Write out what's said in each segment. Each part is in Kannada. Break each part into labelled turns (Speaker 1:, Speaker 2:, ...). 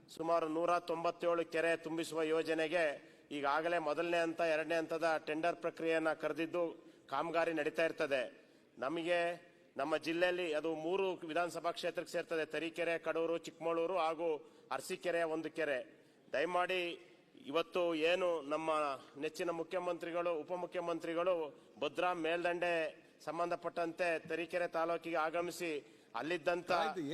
Speaker 1: ಸುಮಾರು 197 ಕೆರೆ ತುಂಬಿಸುವ ಯೋಜನೆಗೆ ಈಗಾಗಲೇ ಮೊದಲನೇ ಹಂತ ಎರಡನೇ ಹಂತದ ಟೆಂಡರ್ ಪ್ರಕ್ರಿಯೆಯನ್ನು ಕರೆದಿದ್ದು ಕಾಮಗಾರಿ ನಡೀತಾ ಇರ್ತದೆ. ನಮಗೆ ನಮ್ಮ ಜಿಲ್ಲೆಯಲ್ಲಿ ಅದು 3 ವಿಧಾನಸಭಾ ಕ್ಷೇತ್ರಕ್ಕೆ ಸೇರ್ತದೆ. ತರೀಕೆರೆ, ಕಡೂರು, ಚಿಕ್ಕಮಗಳೂರು ಹಾಗೂ ಅರಸೀಕೆರೆ ಒಂದು ಕೆರೆ. ದಯಮಾಡಿ ಇವತ್ತು ಏನು ನಮ್ಮ ನೆಚ್ಚಿನ ಮುಖ್ಯಮಂತ್ರಿಗಳು ಉಪಮುಖ್ಯಮಂತ್ರಿಗಳು ಭದ್ರಾ ಮೇಲ್ದಂಡೆ ಸಂಬಂಧಪಟ್ಟಂತೆ ತರೀಕೆರೆ ತಾಲೂಕಿಗೆ ಆಗಮಿಸಿ ಅಲ್ಲಿದ್ದಂತ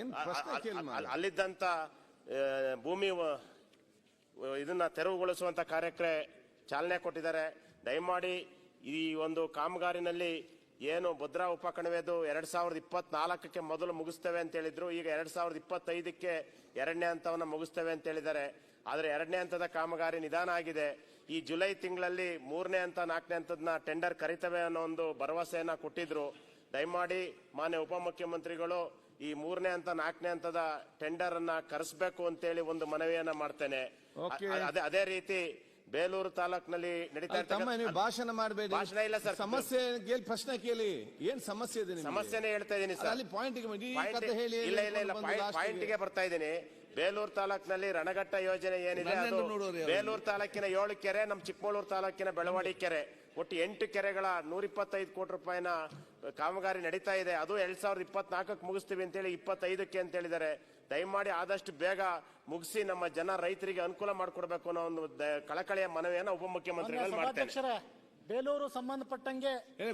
Speaker 1: ಭೂಮಿ ಇದನ್ನ ತೆರವುಗೊಳಿಸುವಂತ ಕಾರ್ಯಕ್ಕೆ ಚಾಲನೆ ಕೊಟ್ಟಿದ್ದಾರೆ. ದಯಮಾಡಿ ಈ ಒಂದು ಕಾಮಗಾರಿನಲ್ಲಿ ಏನು ಭದ್ರಾ ಉಪಕಣಿವೆದು 2024ಕ್ಕೆ ಮೊದಲು ಮುಗಿಸ್ತೇವೆ ಅಂತ ಹೇಳಿದ್ರು. ಈಗ 2025ಕ್ಕೆ ಎರಡನೇ ಹಂತವನ್ನು ಮುಗಿಸ್ತೇವೆ ಅಂತ ಹೇಳಿದ್ದಾರೆ. ಆದರೆ ಎರಡನೇ ಹಂತದ ಕಾಮಗಾರಿ ನಿಧಾನ ಆಗಿದೆ. ಈ ಜುಲೈ ತಿಂಗಳಲ್ಲಿ 3ನೇ ಹಂತ 4ನೇ ಹಂತದ ಟೆಂಡರ್ ಕರೀತವೆ ಅನ್ನೋ ಒಂದು ಭರವಸೆಯನ್ನ ಕೊಟ್ಟಿದ್ರು. ದಯಮಾಡಿ ಮಾನ್ಯ ಉಪಮುಖ್ಯಮಂತ್ರಿಗಳು ಈ 3ನೇ ಹಂತ 4ನೇ ಹಂತದ ಟೆಂಡರ್ ಅನ್ನ ಕರೆಸಬೇಕು ಅಂತೇಳಿ ಒಂದು ಮನವಿಯನ್ನ ಮಾಡ್ತೇನೆ. ಅದೇ ರೀತಿ ಬೇಲೂರು ತಾಲೂಕಿನಲ್ಲಿ ನಡೀತಾ ಇರ್ತಕ್ಕಂಥ
Speaker 2: ಭಾಷಣ ಮಾಡಬೇಡಿ.
Speaker 1: ಭಾಷಣ ಇಲ್ಲ ಸರ್,
Speaker 2: ಸಮಸ್ಯೆ ಕೇಳಿ, ಪ್ರಶ್ನೆ ಕೇಳಿ. ಏನ್ ಸಮಸ್ಯೆ ಇದೆ?
Speaker 1: ಸಮಸ್ಯೆನೇ ಹೇಳ್ತಾ ಇದ್ದೀನಿ ಸರ್.
Speaker 2: ಅಲ್ಲಿ ಪಾಯಿಂಟ್
Speaker 1: ಪಾಯಿಂಟ್ಗೆ ಬರ್ತಾ ಇದ್ದೀನಿ. ಬೇಲೂರು ತಾಲೂಕಿನಲ್ಲಿ ರಣಘಟ್ಟ ಯೋಜನೆ ಏನಿದೆ ಅದು ಬೇಲೂರು ತಾಲೂಕಿನ 7 ಕೆರೆ, ನಮ್ಮ ಚಿಕ್ಕಮಗಳೂರು ತಾಲೂಕಿನ ಬೆಳವಾಡಿ ಕೆರೆ, ಒಟ್ಟು 8 ಕೆರೆಗಳ 125 ಕೋಟಿ ರೂಪಾಯಿನ ಕಾಮಗಾರಿ ನಡೀತಾ ಇದೆ. ಅದು 2024ಕ್ಕೆ ಮುಗಿಸ್ತೀವಿ ಅಂತೇಳಿ 25ಕ್ಕೆ ಅಂತ ಹೇಳಿದ್ದಾರೆ. ದಯಮಾಡಿ ಆದಷ್ಟು ಬೇಗ ಮುಗಿಸಿ ನಮ್ಮ ಜನ ರೈತರಿಗೆ ಅನುಕೂಲ ಮಾಡಿಕೊಡ್ಬೇಕು ಅನ್ನೋ ಒಂದು ಕಳಕಳಿಯ ಮನವಿಯನ್ನ ಉಪಮುಖ್ಯಮಂತ್ರಿಗಳು ಮಾಡ್ತಾರೆ.
Speaker 3: ಬೇಲೂರು ಸಂಬಂಧಪಟ್ಟಂಗೆ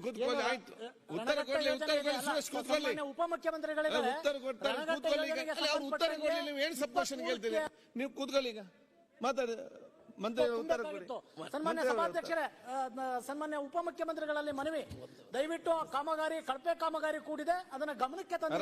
Speaker 3: ಉಪಮುಖ್ಯಮಂತ್ರಿಗಳಿದ್ದಾರೆ.
Speaker 2: ನೀವು ಕೂತ್ಕೊಳ್ಳಿ, ಈಗ ಮಾತಾಡಿ.
Speaker 3: ಸನ್ಮಾನ್ಯ ಸಭಾಧ್ಯಕ್ಷರೇ, ಸನ್ಮಾನ್ಯ ಉಪಮುಖ್ಯಮಂತ್ರಿಗಳಲ್ಲಿ ಮನವಿ, ದಯವಿಟ್ಟು ಕಾಮಗಾರಿ ಕಳಪೆ ಕಾಮಗಾರಿ ಕೂಡಿದೆ, ಅದನ್ನ ಗಮನಕ್ಕೆ ತಂದು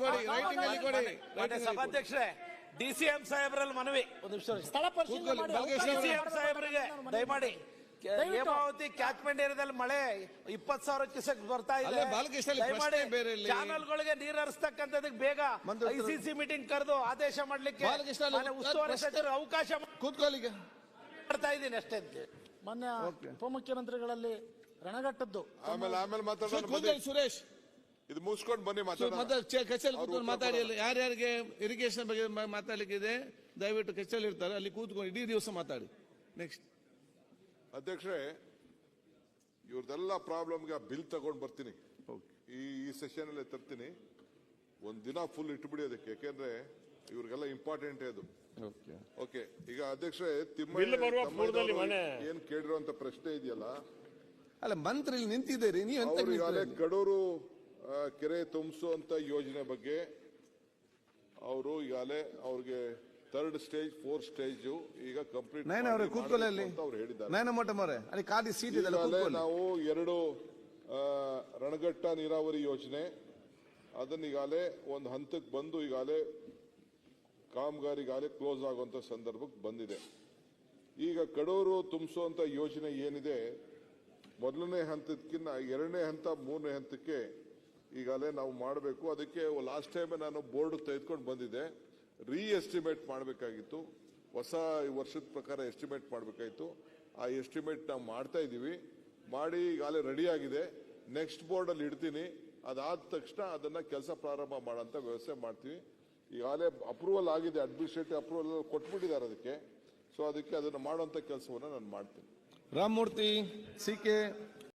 Speaker 4: ಸಭಾಧ್ಯಕ್ಷರೇ, ಡಿಸಿಎಂ ಸಾಹೇಬ್ರಲ್ಲಿ ಮನವಿ,
Speaker 3: ಸ್ಥಳ ಪರಿಶೀಲನೆ
Speaker 4: ಡಿಸಿಎಂ ಸಾಹೇಬ್ರಿಗೆ ದಯಮಾಡಿ ಹೇಮಾವತಿ ಕ್ಯಾಚ್ಮೆಂಟ್ ಏರಿಯಾದಲ್ಲಿ ಮಳೆ 20,000 ಕ್ಯೂಸೆಕ್ ಬರ್ತಾ ಇದೆ. ಚಾನಲ್ಗಳಿಗೆ ನೀರು ಹರಿಸ್ತಕ್ಕಂಥದಕ್ಕೆ ಬೇಗ ICC ಮೀಟಿಂಗ್ ಕರೆದು ಆದೇಶ ಮಾಡ್ಲಿಕ್ಕೆ ಉಸ್ತುವಾರಿ ಸಚಿವರು ಅವಕಾಶ ಮಾಡ್ತಾ ಇದ್ದೀನಿ ಅಷ್ಟೇ.
Speaker 3: ಮೊನ್ನೆ ಉಪಮುಖ್ಯಮಂತ್ರಿಗಳಲ್ಲಿ ರಣಘಟ್ಟದ್ದು
Speaker 5: ಆಮೇಲೆ
Speaker 2: ಸುರೇಶ್
Speaker 5: ಇದು ಮುಗಿಸ್ಕೊಂಡು ಬನ್ನಿ
Speaker 2: ಮಾತಾಡಿ. ಯಾರ್ಯಾರಿಗೆ ಇರಿಗೇಷನ್ ಬಗ್ಗೆ ಮಾತಾಡ್ಲಿಕ್ಕಿದೆ ದಯವಿಟ್ಟು ಕಚೇರಿ ಇರ್ತಾರೆ, ಅಲ್ಲಿ ಕೂತ್ಕೊಂಡು ಇಡೀ ದಿವಸ ಮಾತಾಡಿ. ನೆಕ್ಸ್ಟ್
Speaker 5: ಅಧ್ಯಕ್ಷರೇ, ಇವ್ರದೆಲ್ಲ ಪ್ರಾಬ್ಲಮ್ಗೆ ಬಿಲ್ ತಗೊಂಡು ಬರ್ತೀನಿ. ಈ ಸೆಷನ್ ಅಲ್ಲೇ ತರ್ತೀನಿ. ಒಂದ್ ದಿನ ಫುಲ್ ಇಟ್ಬಿಡಿ ಅದಕ್ಕೆ, ಯಾಕೆಂದ್ರೆ ಇವ್ರಿಗೆಲ್ಲ ಇಂಪಾರ್ಟೆಂಟ್ ಅದು. ಓಕೆ, ಈಗ ಅಧ್ಯಕ್ಷರೇ ಏನ್ ಕೇಳಿರುವಂತ ಪ್ರಶ್ನೆ ಇದೆಯಲ್ಲ,
Speaker 2: ಅಲ್ಲ ಮಂತ್ರಿ ನಿಂತಿದ್ದೀರಿ ನೀವು,
Speaker 5: ಈಗಾಗಲೇ ಕಡೂರು ಕೆರೆ ತುಂಬಿಸುವಂತ ಯೋಜನೆ ಬಗ್ಗೆ ಅವರು ಈಗಾಗಲೇ ಅವ್ರಿಗೆ 3rd ಸ್ಟೇಜ್ 4th ಸ್ಟೇಜ್ ಈಗ ಕಂಪ್ಲೀಟ್ ಅವ್ರು ಹೇಳಿದ್ದಾರೆ. ನಾವು 2 ರಣಘಟ್ಟ ನೀರಾವರಿ ಯೋಜನೆ ಅದನ್ನ ಈಗಾಗಲೇ ಒಂದು ಹಂತಕ್ಕೆ ಬಂದು ಈಗಾಗಲೇ ಕಾಮಗಾರಿಗಾಗಲೇ ಕ್ಲೋಸ್ ಆಗುವಂತ ಸಂದರ್ಭಕ್ಕೆ ಬಂದಿದೆ. ಈಗ ಕಡೂರು ತುಂಬಿಸುವಂತ ಯೋಜನೆ ಏನಿದೆ, ಮೊದಲನೇ ಹಂತಕ್ಕಿಂತ 2ನೇ ಹಂತ 3ನೇ ಹಂತಕ್ಕೆ ಈಗಾಗಲೇ ನಾವು ಮಾಡಬೇಕು. ಅದಕ್ಕೆ ಲಾಸ್ಟ್ ಟೈಮ್ ನಾನು ಬೋರ್ಡ್ ತೆಗೆದುಕೊಂಡು ಬಂದಿದ್ದೆ. ಎಸ್ಟಿಮೇಟ್ ಮಾಡಬೇಕಾಗಿತ್ತು, ಹೊಸ ವರ್ಷದ ಪ್ರಕಾರ ಎಸ್ಟಿಮೇಟ್ ಮಾಡಬೇಕಾಗಿತ್ತು. ಆ ಎಸ್ಟಿಮೇಟ್ ನಾವು ಮಾಡ್ತಾ ಇದ್ದೀವಿ. ಮಾಡಿ ಈಗಾಗಲೇ ರೆಡಿ ಆಗಿದೆ. ನೆಕ್ಸ್ಟ್ ಬೋರ್ಡ್ ಅಲ್ಲಿ ಇಡ್ತೀನಿ. ಅದಾದ ತಕ್ಷಣ ಅದನ್ನ ಕೆಲಸ ಪ್ರಾರಂಭ ಮಾಡೋಂಥ ವ್ಯವಸ್ಥೆ ಮಾಡ್ತೀವಿ. ಈಗಾಗಲೇ ಅಪ್ರೂವಲ್ ಆಗಿದೆ, ಅಡ್ಮಿನಿಸ್ಟ್ರೇಟಿವ್ ಅಪ್ರೂವಲ್ ಕೊಟ್ಬಿಟ್ಟಿದ್ದಾರೆ ಅದಕ್ಕೆ. ಸೊ ಅದಕ್ಕೆ ಅದನ್ನು ಮಾಡುವಂತ ಕೆಲಸವನ್ನು ನಾನು ಮಾಡ್ತೀನಿ.
Speaker 2: ರಾಮಮೂರ್ತಿ CK